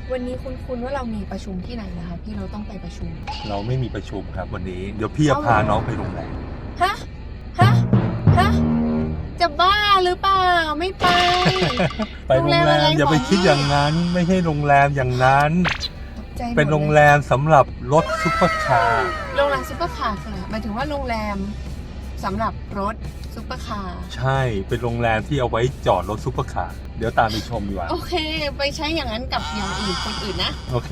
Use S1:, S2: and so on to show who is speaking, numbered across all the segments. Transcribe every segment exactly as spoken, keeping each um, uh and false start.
S1: วันนี้คุณคุณว่าเรามีประชุมที่ไหนนะคะพี่เราต้องไปประชุม
S2: เราไม่มีประชุมครับวันนี้เดี๋ยวพี่จะพาน้องไปโรงแรม
S1: ฮะฮะฮะจะบ้าหรือเปล่าไม่ไป
S2: ไปโรงแรมอย่าไปคิดอย่างนั้นไม่ใช่โรงแรมอย่างนั้นเป็นโรงแรมสำหรับรถซุปเปอร์คาร์
S1: โรงแรมซุปเปอร์คาร์ค่ะหมายถึงว่าโรงแรมสำหรับรถซุปเปอร์คาร์
S2: ใช่เป็นโรงแรมที่เอาไว้จอดรถซุปเปอร์คาร์เดี๋ยวตามไปชมดีกว่า
S1: โอเคไปใช้อย่างนั้นกับอย่างอื่นคนอื่นนะ
S2: โอเค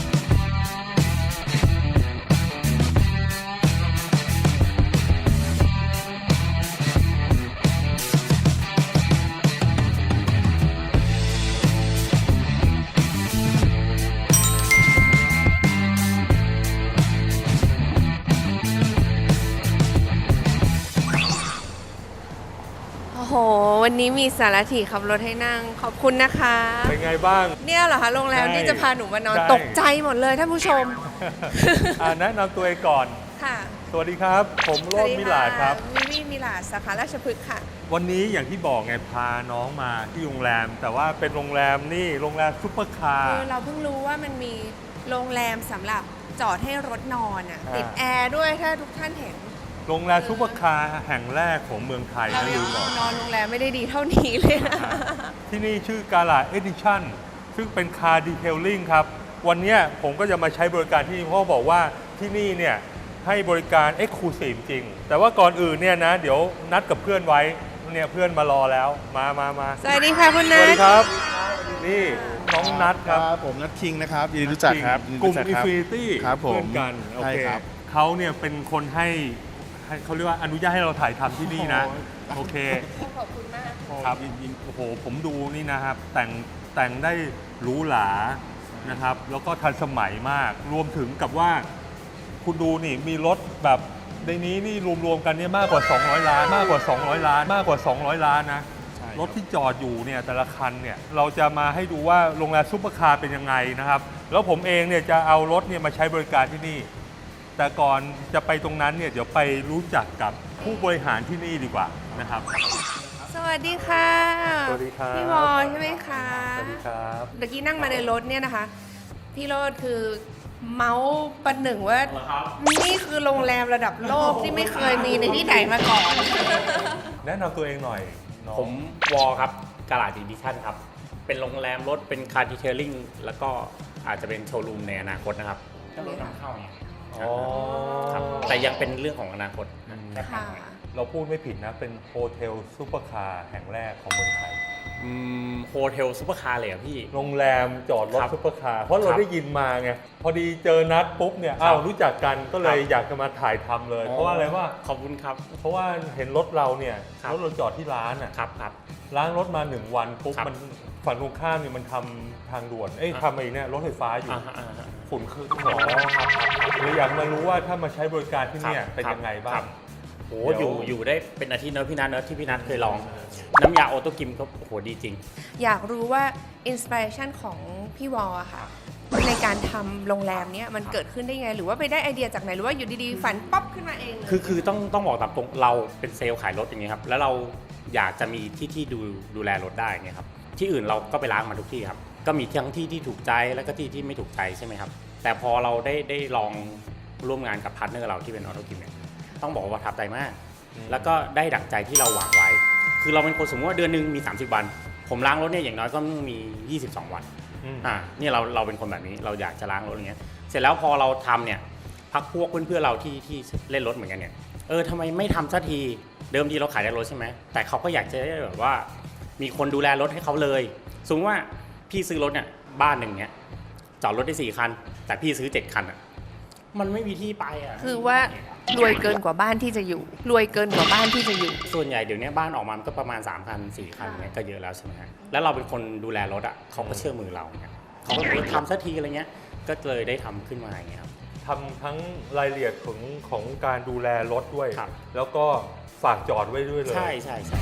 S1: โอ้โหวันนี้มีสารถีขับรถให้นั่งขอบคุณนะคะ
S2: เป็นไงบ้าง
S1: เนี่ยเหรอคะโรงแรมที่จะพาหนูมานอนตกใจหมดเลยท่านผู้ชม
S2: แนะนำตัวเองก่อน
S1: ค่ะ
S2: สวัสดีครับผมโรจน์มิลาดครับ
S1: มิมี่มิลาดสาขาราชพฤกษ์ค่ะ
S2: วันนี้อย่างที่บอกไงพาน้องมาที่โรงแรมแต่ว่าเป็นโรงแรมนี่โรงแรมซุปเปอร์คาร์
S1: เราเพิ่งรู้ว่ามันมีโรงแรมสำหรับจอดให้รถนอนอ่ะติดแอร์ด้วยถ้าทุกท่านเห็น
S2: โรงแรมซุปเปอร์คาร์แห่งแรกของเมืองไทยนะลืมบอก
S1: นอนโรงแรมไม่ได้ดีเท่านี้เลยนะ
S2: ที่นี่ชื่อกาลาเอดิชั่นซึ่งเป็นคาร์ดีเทลลิ่งครับวันนี้ผมก็จะมาใช้บริการที่นี่เพราะบอกว่าที่นี่เนี่ยให้บริการเอ็กซ์คลูซีฟจริงแต่ว่าก่อนอื่นเนี่ยนะเดี๋ยวนัดกับเพื่อนไว้เนี่ยเพื่อนมารอแล้วมามามา
S1: สวัสดีค่ะคุณนัท
S2: สวัสดีครับนี่น้องนัทครับ
S3: ผมนัทคิงนะครับยินดีรู้จักครับ
S2: กลุ่มอินฟินิตี้
S3: เพื่
S2: อนกันโอเคเขาเนี่ยเป็นคนให้เขาเรียกว่าอนุญาตให้เราถ่ายทำที่นี่นะโอเค
S1: ขอบคุณมาก
S2: ครับโอ้โหผมดูนี่นะครับแต่งแต่งได้หรูหรานะครับแล้วก็ทันสมัยมากรวมถึงกับว่าคุณดูนี่มีรถแบบในนี้นี่รวมๆกันเนี่ยมากกว่าสองร้อยล้านมากกว่าสองร้อยล้านมากกว่าสองร้อยล้านนะรถที่จอดอยู่เนี่ยแต่ละคันเนี่ยเราจะมาให้ดูว่าโรงแรมซุปเปอร์คาร์เป็นยังไงนะครับแล้วผมเองเนี่ยจะเอารถเนี่ยมาใช้บริการที่นี่แต่ก่อนจะไปตรงนั้นเนี่ยเดี๋ยวไปรู้จักกับผู้บริหารที่นี่ดีกว่านะครับ
S1: สวัสดีค่ะ
S2: สวัสดีครับ
S1: พี่วอใช่ไหมคะ
S2: สวัสดีครับ
S1: เมื่อกี้นั่งมาในรถเนี่ยนะคะพี่โรจน์คือเมาส์ประหนึ่งว่านี่คือโรงแรมระดับโลกที่ไม่เคยมีในที่ไหนมาก่อน
S2: แนะนำตัวเองหน่อย
S4: ผมวอครับกาลาดอีดิชั่นครับเป็นโรงแรมรถเป็นคาร์ดีเทลลิ่งแล้วก็อาจจะเป็นโชว์รูมในอนาคตนะครับก็รถนำเข้าเนี่ยครับแต่ยังเป็นเรื่องของอนาคต
S2: เราพูดไม่ผิดนะเป็นโฮเทลซุปเปอร์คาร์แห่งแรกของเมืองไทย
S4: โฮเทลซุปเปอร์คาร์เลยอ่ะพี่
S2: โรงแรมจอดรถซุปเปอร์คาร์เพราะเราได้ยินมาไงพอดีเจอนัดปุ๊บเนี่ยอ้าวรู้จักกันก็เลยอยากจะมาถ่ายทำเลยเพราะว่าอะไรว่า
S4: ขอบคุณครับ
S2: เพราะว่าเห็นรถเราเนี่ยรถเราจอดที่ร้านอ่ะ
S4: ครับครับ
S2: ล้างรถมาหนึ่งวันปุ๊บมันฝั่งตรงข้ามเนี่ยมันทำทางด่วนเอ้ยทำไอ้เนี่ยรถไฟฟ้าอยู่ฝุ่นคืออ๋อครับเลยอยากมารู้ว่าถ้ามาใช้บริการที่นี่เป็นยังไงบ้าง
S4: โอ้อยู่อยู่ได้เป็นอาทิตย์เนอะพี่นัทเนอะที่พี่นัทเคยลองน้ำยาออโต้กิมก็โอ้โหดีจริง
S1: อยากรู้ว่าอินสปิเรชันของพี่วอลอะค่ะในการทำโรงแรมเนี้ยมันเกิดขึ้นได้ไงหรือว่าไปได้ไอเดียจากไหนหรือว่าอยู่ดีๆฝันป๊อปขึ้นมาเอง
S4: คือคือต้องต้องบอกตามตรงเราเป็นเซลล์ขายรถอย่างเงี้ยครับแล้วเราอยากจะมีที่ที่ดูดูแลรถได้เงี้ยครับที่อื่นเราก็ไปล้างมาทุกที่ครับก็มีทั้งที่ที่ถูกใจแล้วก็ที่ที่ไม่ถูกใจใช่ไหมครับแต่พอเราได้ได้ลองร่วมงานกับพาร์ทเนอร์เราที่เป็นออโต้กิมเนี่ยต้องบอกว่าประทับใจมากแล้วก็ได้ดั่งใจที่เราหวังไว้คือเราเป็นคนสมมติว่าเดือนนึงมีสามสิบวันผมล้างรถเนี่ยอย่างน้อยก็มียี่สิบสองวันอ่านี่เราเราเป็นคนแบบนี้เราอยากจะล้างรถอย่างเงี้ยเสร็จแล้วพอเราทำเนี่ยพักพวกเพื่อนๆเราที่ที่เล่นรถเหมือนกันเนี่ยเออทำไมไม่ทำสักทีเดิมทีเราขายแต่รถใช่ไหมแต่เขาก็อยากจะได้แบบว่ามีคนดูแลรถให้เขาเลยสมมติว่าพี่ซื้อรถเนี่ยบ้านหนึ่งเนี่ยจอดรถได้สี่คันแต่พี่ซื้อเจ็ดคันอ่ะมันไม่มีที่ไปอ่ะ
S1: คือว่ารวยเกินกว่าบ้านที่จะอยู่รวยเกินกว่าบ้านที่จะอยู่
S4: ส่วนใหญ่เดี๋ยวนี้บ้านออกมาก็ประมาณสามคันสี่คันเนี่ยก็เยอะแล้วใช่ไหมฮะแล้วเราเป็นคนดูแลรถอ่ะเขาก็เชื่อมือเราเนี่ยเขาก็ทำสักทีอะไรเงี้ยก็เลยได้ทำขึ้นมาอย่างเงี้ยครับ
S2: ทำทั้งรายละเอียดของของการดูแลรถด้วยแล้วก็ฝากจอดไว้ด้วยเลย
S4: ใช่ใช่ใช่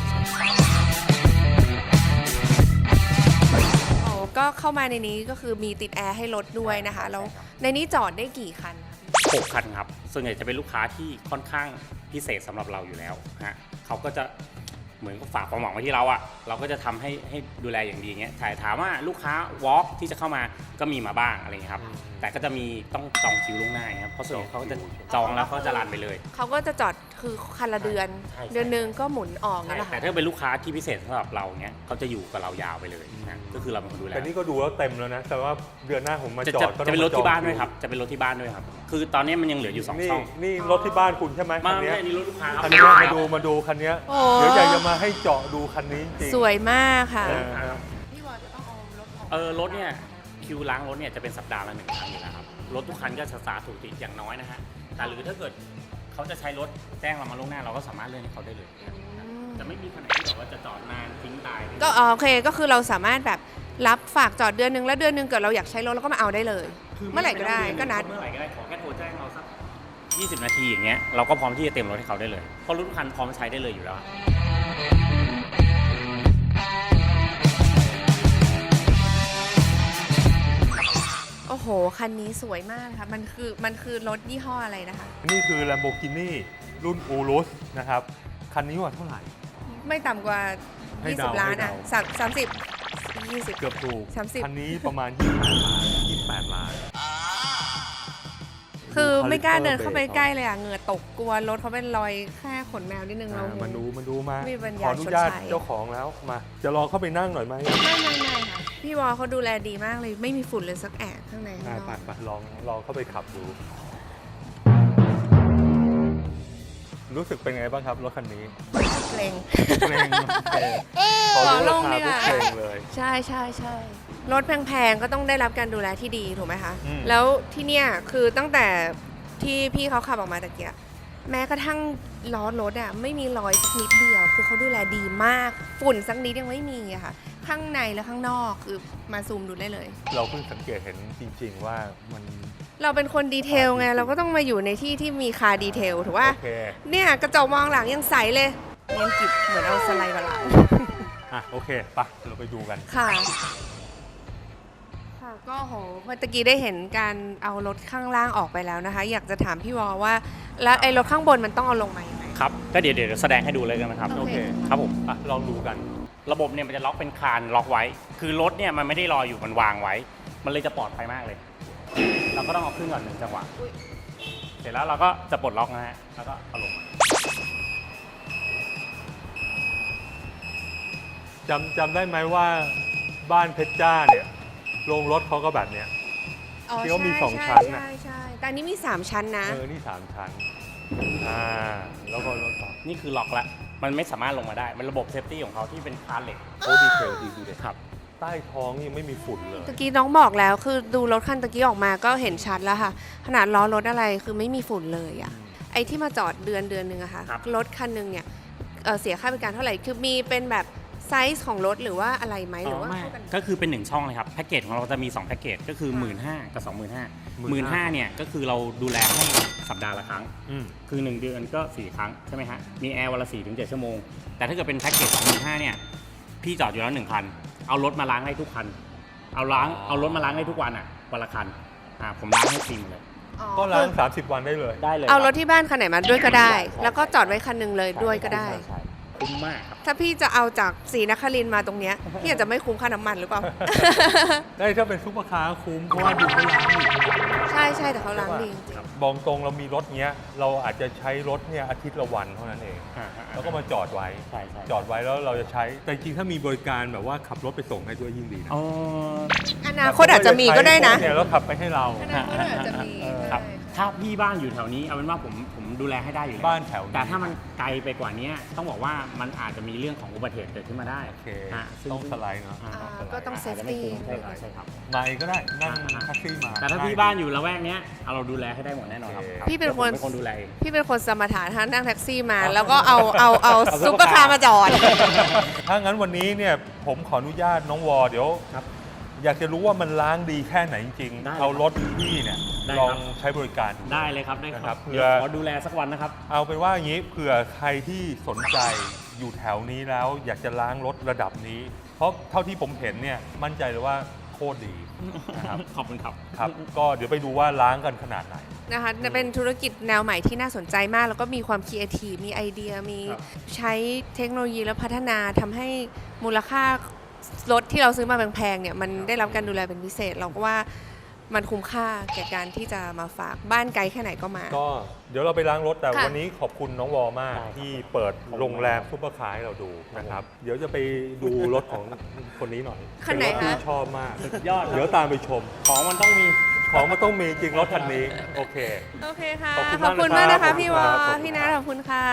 S1: ก็เข้ามาในนี้ก็คือมีติดแอร์ให้รถด้วยนะคะแล้วในนี้จอดได้กี่คัน
S4: หกคันครับส่วนใหญ่จะเป็นลูกค้าที่ค่อนข้างพิเศษสำหรับเราอยู่แล้วฮะเขาก็จะเหมือนกับฝากความหวังไว้ที่เราอะเราก็จะทำให้ให้ดูแลอย่างดีอย่างเงี้ยถ่ายถามว่าลูกค้า walk ที่จะเข้ามาก็มีมาบ้างอะไรเงี้ยครับแต่ก็จะมีต้องจองคิวล่วงหน้าครับเพราะส่วนใหญ่เขาก็จะจองแล้วเขาจะรันไปเลย
S1: เขาก็จะจอดคือคันละเดือน
S4: ใช่ใช่
S1: เดือนหนึงก็หมุนออกนั่นแหละ
S4: แต่
S1: ค่ะ
S4: ถ้าเป็นลูกค้าที่พิเศษสำหรับเราเนี้ยเขาจะอยู่กับเรายาวไปเลยนะก็คือเราเป็นคนดูแล
S2: แต่นี่ก็ดูแล้วเต็มแล้วนะ แต่ว่าเดือนหน้าผมมา
S4: จะ
S2: จอ
S4: จะ
S2: ดก็
S4: จะ
S2: ต้อง
S4: เป็นรถที่บ้าน
S2: มจอ
S4: ด้วยครับจะเป็นรถที่บ้านด้วยครับคือตอนนี้มันยังเหลืออยู่สอง
S2: นี่
S4: ช่อง
S2: นี่รถที่บ้านคุณใช่ไหม
S4: มา
S2: คัน
S4: ไม่
S2: เนี้ย
S4: ใช่นี่รถลูกค้าครับ
S2: คันนี้มาดูมาดูคันเนี้ย
S1: โอ้
S2: เดี๋ยวอยากจะมาให้เจาะดูคันนี้จริง
S1: สวยมากค่ะ
S2: เออ
S1: พี่วอจะต้องเอารถออก
S4: เออรถเนี่ยคิวล้างรถเนี่ยจะเป็นสัปดาห์ละหนึ่งครั้งอยู่แล้วครับรถทุกคันก็จะสาถูกติดอย่างน้อยนะฮะแต่หรือถ้าเกิดเขาจะใช้รถแจ้งเรามาล่วงหน้าเราก็สามารถเลื่อนให้เขาได้เลยจะไม่มีคันไหนที่แบบว่าจะจอดนานทิ้งตาย
S1: ก็อ๋อโอเคก็คือเราสามารถแบบรับฝากจอดเดือนหนึงแล้วเดือนหนึงเกิดเราอยากใช้รถเราก็มาเอาได้เลย เมื่อไหร่ก็ได้ก็นัด
S4: เมื่อไหร่ก็ได้ขอแค่โทรแจ้งเราสักยี่สิบนาทีอย่างเงี้ยเราก็พร้อมที่จะเต็มรถให้เขาได้เลยเพราะรถทุกคันพร้อมใช้ได้เลยอยู่แล้ว
S1: โอ้โห คันนี้สวยมากนะคะมันคือมันคือรถยี่ห้ออะไรนะคะ
S2: นี่คือ Lamborghini รุ่น Urus นะครับ คันนี้ว่าเท่าไหร่
S1: ไม่ต่ำกว่า
S2: ให้
S1: ยี่
S2: เดา
S1: สิบล้าน
S2: ให้
S1: อ่ะ
S2: เดา
S1: สามสามสิบยี่สิบ
S2: เกือบถูก
S1: สามสิบ
S2: คันนี้ประมาณยี่สิบแปดล้าน
S1: คือไม่กล้าเดิน
S2: ดู
S1: เข้าไป
S2: caliper
S1: ใกล้เลยอ่ะเหงื่อตกกลัวรถเขาเป็นรอยแค่ขนแมวนิดนึงเรา
S2: อ่ามาดูมาดูมา
S1: ไม่มีปัญ
S2: ข
S1: ญา
S2: ออนุญาต
S1: ชดใช้
S2: เจ้าของแล้วมา จะลองเข้าไปนั่งหน่อยไหม
S1: ไม่ไม่ไม่ค่ะพี่วอเขาดูแลดีมากเลยไม่มีฝุ่นเลยสักแอะข้างในข้าง
S2: อ่าน
S1: อ
S2: ไป
S1: ก
S2: ไปลองลองเข้าไปขับดู รู้สึกเป็นไงบ้างครับรถคันนี้
S1: เกรง
S2: เกรงพอรู้ราคาปุ๊บเกรงเลย
S1: ใช่ใช่ใช่รถแพงๆก็ต้องได้รับการดูแลที่ดีถูกไหมคะ
S2: อืม
S1: แล้วที่เนี่ยคือตั้งแต่ที่พี่เขาขับออกมาตะเกียแม้กระทั่งล้อรถอ่ะไม่มีรอยสักนิดเดียว คือเขาดูแลดีมากฝุ่นสักนิดยังไม่มีอะค่ะ ข้างในและข้างนอกคือมาซูมดูได้เลย
S2: เราเพิ่งสังเกตเห็นจริง ๆ ว่ามัน
S1: เราเป็นคนดีเทลไงเราก็ต้องมาอยู่ในที่ที่มีคาร์ดีเทลถูกป่ะ
S2: โอเค
S1: เนี่ยกระจกมองหลังยังใสเลยเนียนกิบเหมือนเอาสไลด์มาล้าง
S2: อ่ะโอเคไปเราไปดูกัน
S1: ค่ะ ค่ะ ก็โหเมื่อตะกี้ได้เห็นการเอารถข้างล่างออกไปแล้วนะคะ อยากจะถามพี่วอว่า แล้วไอ้รถข้างบนมันต้องเอาลงมายังไง
S4: ครับก็เดี๋ยวเดี๋ยวแสดงให้ดูเลยกันนะครับ
S1: โอเค
S4: ครับผม
S2: อ่ะลองดูกัน
S4: ระบบเนี่ยมันจะล็อกเป็นคานล็อกไว้ คือรถเนี่ยมันไม่ได้ลอยอยู่มันวางไว้ มันเลยจะปลอดภัยมากเลย เราก็ต้องเอาขึ้นก่อนหนึ่งจังหวะเสร็จแล้วเราก็จะปลดล็อกนะฮะแล้วก็เอาลงมา
S2: จำจำได้ไหมว่าบ้านเพชรจ้าเนี่ยโรงรถเขาก็แบบเนี้ย ที่เขามีสองชั้นน่ะ
S1: ใช่ใช่แต่อันนี้มีสามชั้นนะ
S2: เออ นี่สามชั้น อ่า แล้วก็รถต่อ
S4: นี่คือล็อกละมันไม่สามารถลงมาได้ มันระบบเซฟตี้ของเขาที่เป็นคานเหล็ก
S2: โอ้ดีเทลดีดูเลย
S4: ครับ
S2: ใต้ท้องยังไม่มีฝุ่นเลย
S1: ตะกี้น้องบอกแล้วคือดูรถคันตะกี้ออกมาก็เห็นชัดแล้วค่ะ ขนาดล้อรถอะไรคือไม่มีฝุ่นเลยอะไอ้ที่มาจอดเดือนเดือนหนึ่งอะค่ะ
S4: ครับ
S1: รถคันหนึ่งเนี่ยเอ่อเสียค่าบริการเท่าไหร่คือมีเป็นแบบไซส์ของรถหรือว่าอะไรไหมหรือว่า
S4: ไม่
S1: เท่ากัน
S4: ก็คือเป็นหนึ่งช่องเลยครับแพ็กเกจของเราจะมีสองแพ็กเกจก็คือ
S1: ค่ะ
S4: หมื่นห้ากับสองหมื่นห้า
S2: หมื่
S4: หมื่
S2: น
S4: น
S2: ห้า
S4: ห้าเนี่ยก็คือเราดูแลให้สัปดาห์ละครั้ง
S2: อืม
S4: คือหนึ่งเดือนก็สี่ครั้งใช่ไหมฮะมีแอร์วันละสี่ถึงเจ็ดชั่วโมงแต่ถ้าเกิดเป็นแพ็กเกจสองหมื่นห้าเนี่ยพี่จอดอยู่แล้วหนึ่งคันเอารถมาล้างได้ทุกคัน เอาล้างเอารถมาล้างได้ทุกวันอ่ะวันละคันอ่าผมล้างให้ฟรีหมดเลย
S1: อ๋อ
S2: ก็ล้าง สามสิบ วันได้เลย
S4: ได้เลย
S1: เอา
S4: คบ
S1: รถที่บ้านคันไหนมาด้วยก็ได้
S4: ใช่ใช่
S1: แล้วก็จอดไว้คันหนึ่งเลยด้วยก็ได้
S4: ใช่ใช่คุ้มมากครับ
S1: ถ้าพี่จะเอาจากศรีนครินทร์มาตรงเนี้ยพี่อาจจะไม่คุ้มค่าน้ำมันหรือเปล่า
S2: ได้ถ้าเป็นซุปเปอร์คาร์คุ้ม เพราะว่าดูเขาล้างอีก
S1: ใช่ใช่แต่เขาล้างดีจริง
S2: บอกตรงเรามีรถเนี้ย เราอาจจะใช้รถเนี่ยอาทิตย์ละวันเท่านั้นเอง
S4: อ่าฮะ
S2: แล้วก็มาจอดไว้
S4: ใช่ใช่
S2: จอดไว้แล้วเราจะใช้ แต่จริงๆถ้ามีบริการแบบว่าขับรถไปส่งให้ด้วยยิ่งดีนะ
S4: อ๋อ
S1: อนาคตอาจจะมีก็ได้นะ
S2: เนี่ยแล้วขับไปให้เรา
S1: อนาคตอาจจะมี
S2: เออ
S4: ครับถ้าพี่บ้านอยู่แถวนี้เอาเป็นว่าผมผมดูแลให้ได้อยู่แล้ว
S2: บ้านแถวนี้
S4: แต่ถ้ามันไกลไปกว่านี้ต้องบอกว่ามันอาจจะมีเรื่องของอุบัติเหตุเกิดขึ้นมาได้
S2: โอเค
S4: ฮะซึ่
S2: ต้องสไลด์เนาะ
S4: อ่า
S1: อ่า
S2: ต้องสไลด์
S1: ก็ต้อง
S4: อาจจะไม่คุ้ม
S1: safety
S4: ใช่ครับใช่ครับ
S2: มาเองก็ได้ นั่งแท็กซี่มา
S4: แต่ถ้าพี่บ้านอยู่ละแวกเนี้ยเอาเราดูแลให้ได้หมดแน่นอนครับ
S2: โอเค
S1: พี่เป็นคน
S4: ดี๋ยวผมเป็นคนดูแลเอง
S1: พี่เป็นคนสมถะท่านนั่งแท็กซี่มา แล้วก็เอาเอาเอาซุปเปอร์คาร์มาจอด
S2: ถ้างั้นวันนี้เนี่ยผมขออนุญาตน้องวอเดี๋ยว
S4: ครับ
S2: อยากจะรู้ว่ามันล้างดีแค่ไหนจริง
S4: ได้
S2: ๆ เอารถพี่เนี่ย
S4: ได้ครับ
S2: ลองใช้บริการดู
S4: ได้เลยครับได้
S2: นะ
S4: ค
S2: ครั
S4: รับบ
S2: เผื่อ
S4: เดี๋ยวขอดูแลสักวันนะครับ
S2: เอาเป็นว่าอย่างนี้เผื่อใครที่สนใจอยู่แถวนี้แล้วอยากจะล้างรถระดับนี้ เพราะเท่าที่ผมเห็นเนี่ยมั่นใจเลยว่าโคตรดีนะครับ
S4: ขอบคุณครับ
S2: ครับ ก็เดี๋ยวไปดูว่าล้างกันขนาดไหน
S1: นะคะเป็นธุรกิจแนวใหม่ที่น่าสนใจมาก แล้วก็มีความครีเอทีฟมีไอเดียมี
S2: ครับ
S1: ใช้เทคโนโลยีและพัฒนาทำให้มูลค่ารถที่เราซื้อมาแพงๆเนี่ยมันได้รับการดูแลเป็นพิเศษ เราก็ว่ามันคุ้มค่าแก่การที่จะมาฝากบ้านไกลแค่ไหนก็มา
S2: ก็เดี๋ยวเราไปล้างรถแต่
S1: ค่ะ
S2: วันนี้ขอบคุณน้องวอมาก
S4: ได้ครับ
S2: ที่เปิดโรงแรมซุปเปอร์คาร์ให้เราดูนะครับ เดี๋ยวจะไปดูรถของคนนี้หน่อย
S1: คันไหน
S2: เป็รถที่
S1: คะ
S2: ชอบมาก
S4: สุดยอดครับ
S2: เดี๋ยวตามไปชม
S4: ของมันต้องมี
S2: ของมันต้องมีจริงรถคันนี้ โอเค
S1: โอเคค่ะ
S2: ขอบคุณ
S1: ขอบคุณาก
S2: มามก
S1: นะ
S2: นะครั
S1: คะ
S2: บ
S1: พี่วอ
S2: ขอบคุณครับ
S1: พี่นัทขอบคุณค่ะ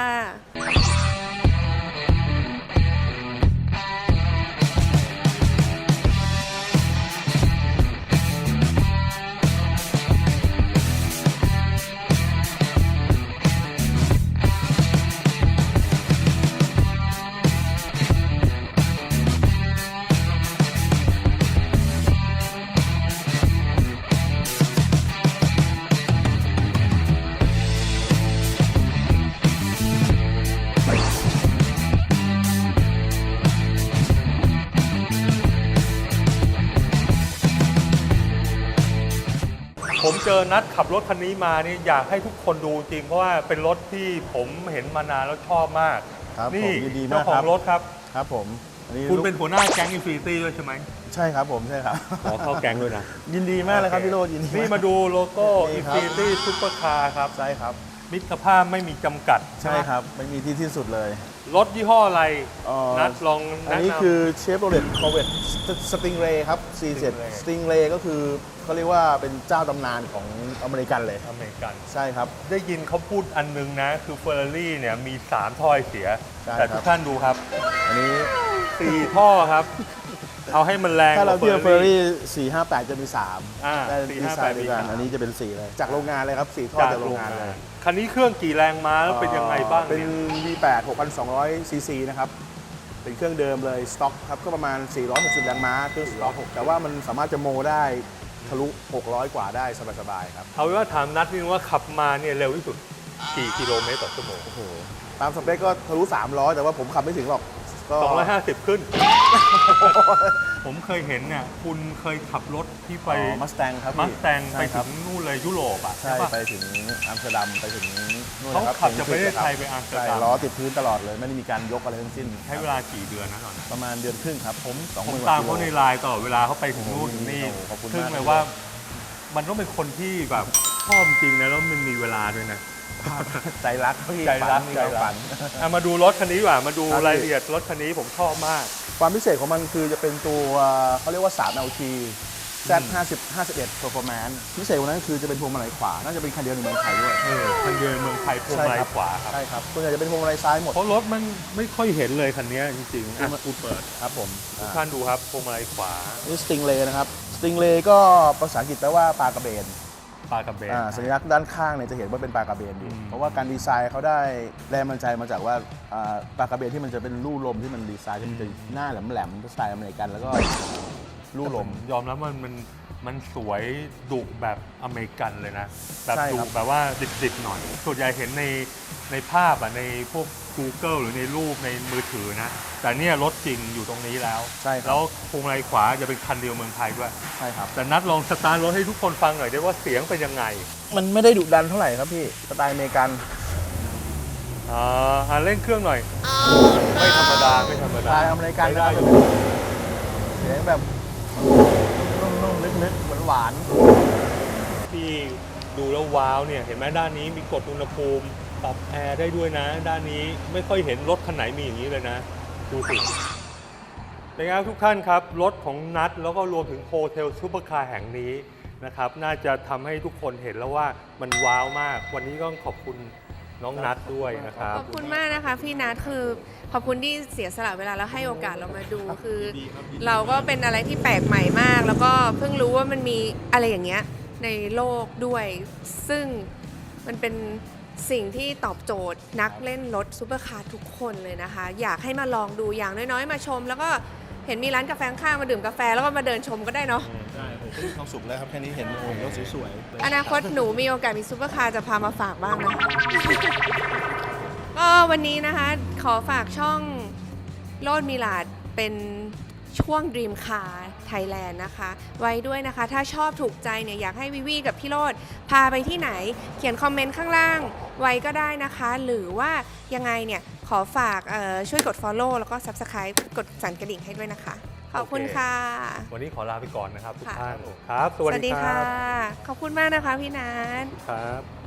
S2: ผมเจอนัดขับรถคันนี้มานี่อยากให้ทุกคนดูจริงเพราะว่าเป็นรถที่ผมเห็นมานานแล้วชอบมาก
S3: ครับ
S2: นี่
S3: ผมยินดี
S2: เจ้าม
S3: าก
S2: ขอ
S3: ครั
S2: ง
S3: บ
S2: รถครับ
S3: ครับผมอันนี้
S2: คุณ
S3: ลูก
S2: เป็นหัวหน้าแก๊งอินฟินิตี้ด้วยใช่ไหม
S3: ใช่ครับผมใช่ครับ
S2: ขอเข้าแก๊งด้วยนะ
S3: ยินดีมากเลยครับพี่โรจน์ยินดี
S2: นี่มาดูโลโก้
S3: นี่
S2: อิน
S3: ครับ
S2: ฟินิตี้ซุปเปอร์คาร์ครับ
S3: ใช่ครับ
S2: มิตรภาพไม่มีจำกัด
S3: ใช่ครับไม่มีที่สิ้นสุดเลย
S2: รถยี่ห้ออะไร
S3: เอ่อ
S2: นัดลอง
S3: อัน
S2: แนะ
S3: นี้
S2: นำ
S3: คือเชฟโรเลตคอร์เวตสติงเรย์ครับ ซี เจ็ด
S2: Stingray
S3: สติงเรย์ก็คือเขาเรียกว่าเป็นเจ้าตำนานของอเมริกันเลย
S2: อเมริกัน
S3: ใช่ครับ
S2: ได้ยินเขาพูดอันนึงนะ คือเฟอร์รารี่เนี่ยมีสามถ้อยเสีย
S3: ใช่
S2: แต่
S3: ครับ
S2: ทุกท่านดูครับ
S3: อันนี้
S2: สี่ท่อครับ เอาให้มันแรง
S3: ถ้าเรา
S2: กว่
S3: เทียบเฟอร์รี่สี่ห้าแปดจะมีสาม
S2: อ่า
S3: แต่
S2: สี่
S3: ดี
S2: ห้า
S3: ไซ
S2: แปด
S3: น์เดียวกัน
S2: มีสาม
S3: อันนี้จะเป็นสี่เลย จากโรงงานเลยครับสี่ท่อ
S2: จาก
S3: จากโร
S2: โรง ง
S3: งาน
S2: งา
S3: เล
S2: น
S3: ย
S2: คันนี้เครื่องกี่แรงม้าแล้วเป็นยังไงบ้าง
S3: เป็น
S2: เนี่ย
S3: วี แปด หกพันสองร้อย ซีซีนะครับ เป็นเครื่องเดิมเลย สต็อกครับ ก็ประมาณ สี่ร้อยหกสิบ แรงม้าเครื่องสต็อกแต่ว่ามันสามารถจะโมได้ทะลุ หกร้อย กว่าได้สบายๆครับ
S2: เอาเป็นว่าถามนัดนิดนึงว่าขับมาเนี่ยเร็วที่สุดกี่กิโลเมตรต่อชั่วโมง
S3: โอ้โห ตามสเปคก็ทะลุ สามร้อย แต่ว่าผมขับไม่ถึงหรอก ก็
S2: สองร้อยห้าสิบขึ้น ผมเคยเห็นเนี่ยคุณเคยขับรถที่ไป
S3: มัสแตงครับ
S2: มั
S3: พี่
S2: สแตงไป
S3: ใช่ค
S2: ถึ
S3: รับ
S2: งนู่นเลยยุโรปอ่ะ
S3: ใช่
S2: ปะ
S3: ไปถึงอัมสเตอร์ดัมไปถึงนู่น
S2: เขา
S3: นะครับ
S2: ขับจากประเทศไทยไปอัมสเตอร์ดัม
S3: ใช่ล้อติดพื้นตลอดเลย ไม่ได้มีการยกอะไรทั้งสิ้น
S2: ใช้เวลากี่เดือนนะตอนนั้น
S3: ประมาณเดือนครึ่งครับ ผมสองห
S2: ผม
S3: มื่น
S2: ตาม
S3: ก
S2: เขา
S3: ว่
S2: ใน
S3: กิโล
S2: ไลน์ตลอดเวลาเขาไปถึงนู่นถึงนี่
S3: โอ้โหขอบคุณ
S2: ซึ่ง
S3: มาก
S2: เลยว่ามันต้องเป็นคนที่แบบชอบจริงนะแล้วมันมีเวลาด้วยนะ
S3: ใจรักพี่
S2: ใจรัก
S3: ฝันมี
S2: ใจ
S3: ความ
S2: รั
S3: ฝั
S2: ก
S3: น
S2: อ่ะมาดูรถคันนี้ดีกว่ามาดู
S3: ครับ
S2: รายละเอียดรถคันนี้ผมชอบมาก
S3: ความพิเศษของมันคือจะเป็นตัวเขาเรียกว่า ทรี แอล ที แซด ห้าสิบ ห้าสิบเอ็ด Performance พิเศษกว่านั้นคือจะเป็นพวงมาลัยขวา น่าจะเป็นคันเดียวในเมืองไทยด้วย
S2: เออคันเดียวในเมืองไทยพวงมาลัยขวาครับ
S3: ใช่ครับส่วนใหญ่จะเป็นพวงมาลัยซ้ายหมด
S2: เพราะรถมันไม่ค่อยเห็นเลยคันนี้จริงๆอ่ะคุณเปิด
S3: ครับผม
S2: ทุกท่านดูครับพวงมาลัยขวา
S3: นี่สติงเลย์นะครับสติงเลย์ก็ภาษาอังกฤษแปลว่าปลากระเบน
S2: ปลากระเบน
S3: อ่าสัญลักษณ์ด้านข้างเนี่ยจะเห็นว่าเป็นปลากระเบนอยู่
S2: อืม
S3: เพราะว่าการดีไซน์เขาได้แรงบันดาลใจมาจากว่าอ่าปลากระเบนที่มันจะเป็นรูลมที่มันดีไซน์ที่มันจะหน้าแหลมๆสไตล์อเมริกันแล้วก็รูลม
S2: ยอมรับว่ามันมันสวยดุแบบอเมริกันเลยนะ แบบ
S3: ใช่
S2: ดุ
S3: ครับ
S2: แบบว่าดิบๆหน่อย ส่วนใหญ่เห็นในในภาพอ่ะในพวก Google หรือในรูปในมือถือนะ แต่เนี่ยรถจริงอยู่ตรงนี้แล้ว
S3: ใช่ครั
S2: แล้
S3: บ
S2: วพวงมาลัยขวาจะเป็นคันเดียวเมืองไทยด้วย
S3: ใช่ครับ
S2: แต่นัดลองสตาร์ทรถให้ทุกคนฟังหน่อยได้ว่าเสียงเป็นยังไง
S3: มันไม่ได้ดุดันเท่าไหร่ครับพี่สไตล์อเมริกัน
S2: อ่าอ่าเร่งเครื่องหน่อย ไม่ธรรมดาไม่ธรรม
S3: ส
S2: ดา
S3: ไตล์อเมริกัน
S2: ใช้
S3: นะค
S2: ได้
S3: รับ
S2: อยู่
S3: เสียงแบบนุ่มๆลึกๆหวาน
S2: ที่ดูแล้วว้าวเนี่ยเห็นไหมด้านนี้มีกดอุณหภูมิปรับแอร์ได้ด้วยนะ ด้านนี้ไม่ค่อยเห็นรถคันไหนมีอย่างนี้เลยนะ ดูสิเป็นไงครับทุกท่านครับ รถของนัดแล้วก็รวมถึงโฮเทลซูเปอร์คาร์แห่งนี้นะครับ น่าจะทำให้ทุกคนเห็นแล้วว่ามันว้าวมาก วันนี้ก็ต้องขอบคุณน้องนัดด้วยนะครับ
S1: ขอบคุณมากนะคะพี่นัทคือขอบคุณที่เสียสละเวลาแล้วให้โอกาสเรามาดูคือ เราก็เป็นอะไรที่แปลกใหม่มาก แล้วก็เพิ่งรู้ว่ามันมีอะไรอย่างเงี้ยในโลกด้วย ซึ่งมันเป็นสิ่งที่ตอบโจทย์นักเล่นรถซูเปอร์คาร์ทุกคนเลยนะคะ อยากให้มาลองดูอย่างน้อยๆ มาชม แล้วก็เห็นมีร้านกาแฟข้างๆมาดื่มกาแฟแล้วก็มาเดินชมก็ได้เนาะ
S3: ๆใช่ผมก็มีความสุขแล้วครับแค่นี้เห็นเห็นรถสวยๆ
S1: อนาคตหนูมีโอกาสมีซูเปอร์คาร์จะพามาฝากบ้างนะคะ ก็วันนี้นะคะขอฝากช่องโลดมิลาดเป็นช่วง Dream Car ท Thailand นะคะ ไว้ด้วยนะคะ ถ้าชอบถูกใจเนี่ยอยากให้วิวีกับพี่โรจน์พาไปที่ไหน เขียนคอมเมนต์ข้างล่างไว้ก็ได้นะคะ หรือว่ายังไงเนี่ยขอฝากเอ่อช่วยกด follow แล้วก็ subscribe กดสั่นกระดิ่งให้ด้วยนะคะ ขอบคุณ
S2: โอเค
S1: ค่ะ
S2: วันนี้ขอลาไปก่อนนะครับทุก
S1: ค่ะ
S2: ท่านครับ สวัสดีค
S1: ค่ะ
S2: รับ
S1: ขอบคุณมากนะคะพี่นัท
S2: ครับ